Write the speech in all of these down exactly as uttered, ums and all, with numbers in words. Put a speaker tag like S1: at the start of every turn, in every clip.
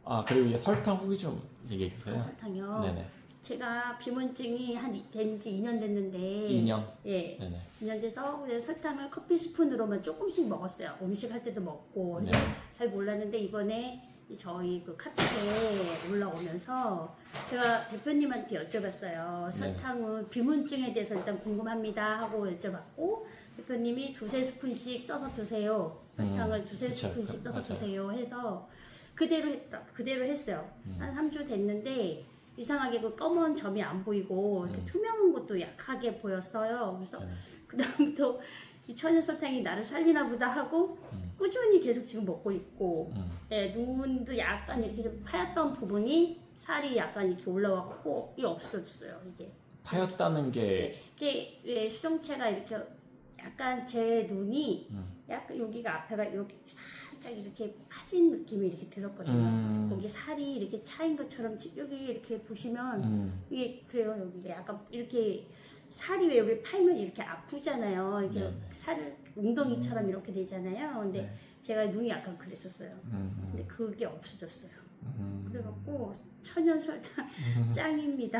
S1: 아 그리고 이제 설탕 후기 좀 얘기해 주세요.
S2: 아, 설탕이요.
S1: 네네.
S2: 제가 비문증이 한 된 지 이 년 됐는데
S1: 이 년.
S2: 예,
S1: 네네.
S2: 이 년 돼서 그냥 설탕을 커피 스푼으로만 조금씩 먹었어요. 음식 할 때도 먹고
S1: 네.
S2: 잘 몰랐는데 이번에 저희 그 카톡에 올라오면서 제가 대표님한테 여쭤봤어요. 설탕은 비문증에 대해서 일단 궁금합니다 하고 여쭤봤고 대표님이 두세 스푼씩 떠서 드세요. 설탕을
S1: 음,
S2: 두세
S1: 그쵸.
S2: 스푼씩 떠서
S1: 맞아요.
S2: 드세요 해서 그대로 했다. 그대로 했어요.
S1: 음.
S2: 한 삼 주 됐는데 이상하게 그 검은 점이 안 보이고 이렇게
S1: 음.
S2: 투명한 것도 약하게 보였어요. 그래서
S1: 네네.
S2: 그다음부터 이 천연 설탕이 나를 살리나 보다 하고
S1: 음.
S2: 꾸준히 계속 지금 먹고 있고
S1: 음.
S2: 예, 눈도 약간 이렇게 좀 파였던 부분이 살이 약간 이렇게 올라왔고 이 없어졌어요. 이게
S1: 파였다는 게
S2: 이게 왜 수정체가 이렇게 약간 제 눈이
S1: 음.
S2: 약간 여기가 앞에가 이렇게 살짝 이렇게 파진 느낌이 이렇게 들었거든요.
S1: 음.
S2: 거기 살이 이렇게 차인 것처럼 여기 이렇게 보시면
S1: 음.
S2: 이게 그래요. 여기가 약간 이렇게 살이 왜 우리 팔면 이렇게 아프잖아요. 이렇게
S1: 네네.
S2: 살을 웅덩이처럼 이렇게 되잖아요. 근데
S1: 네.
S2: 제가 눈이 약간 그랬었어요.
S1: 음.
S2: 근데 그게 없어졌어요.
S1: 음.
S2: 그래갖고 천연 설탕 짱입니다.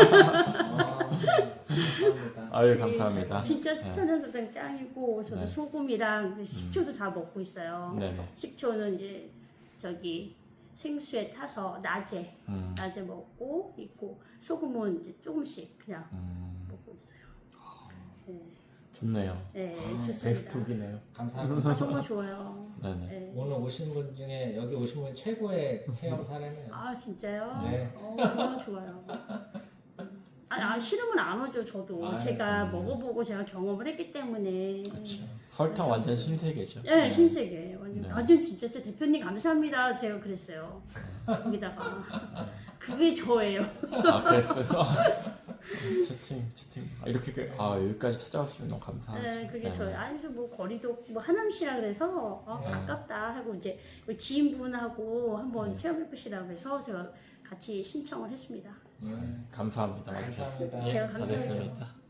S3: 아, 감사합니다.
S1: 아유 감사합니다.
S2: 진짜
S1: 네.
S2: 천연 설탕 짱이고 저도
S1: 네.
S2: 소금이랑 식초도 다 먹고 있어요.
S1: 네네.
S2: 식초는 이제 저기 생수에 타서 낮에
S1: 음.
S2: 낮에 먹고 있고 소금은 이제 조금씩 그냥
S1: 음.
S2: 먹고 있어요. 네,
S1: 좋네요.
S2: 네
S3: 아,
S2: 좋습니다.
S1: 베스트북이네요.
S3: 감사합니다.
S2: 아, 정말 좋아요.
S1: 네네.
S2: 네.
S3: 오늘 오신 분 중에 여기 오신 분 최고의 체험 사례네요.
S2: 아 진짜요?
S3: 네.
S2: 어, 정말 좋아요. 아니, 아, 싫으면 안 오죠 저도.
S3: 아유,
S2: 제가
S1: 음.
S2: 먹어보고 제가 경험을 했기 때문에.
S1: 그렇죠. 설탕 완전 신세계죠.
S2: 네, 신세계. 완전,
S1: 네.
S2: 완전 진짜 제 대표님 감사합니다. 제가 그랬어요. 거기다가 그게 저예요.
S1: 아 그랬어요. 채팅 채팅. 아, 이렇게 그- 아 여기까지 찾아오시면 너무 감사하죠.
S2: 네, 그게
S1: 네.
S2: 저예요. 아니 뭐 거리도 뭐 하남시라 그래서 어,
S3: 네.
S2: 아깝다 하고 이제 우리 지인분하고 한번
S1: 네.
S2: 체험해 보시라고 해서 제가 같이 신청을 했습니다.
S3: 네.
S1: 감사합니다. 와주셔서.
S3: 감사합니다.
S2: 제가
S1: 다
S2: 감사하죠.
S1: 됐습니다.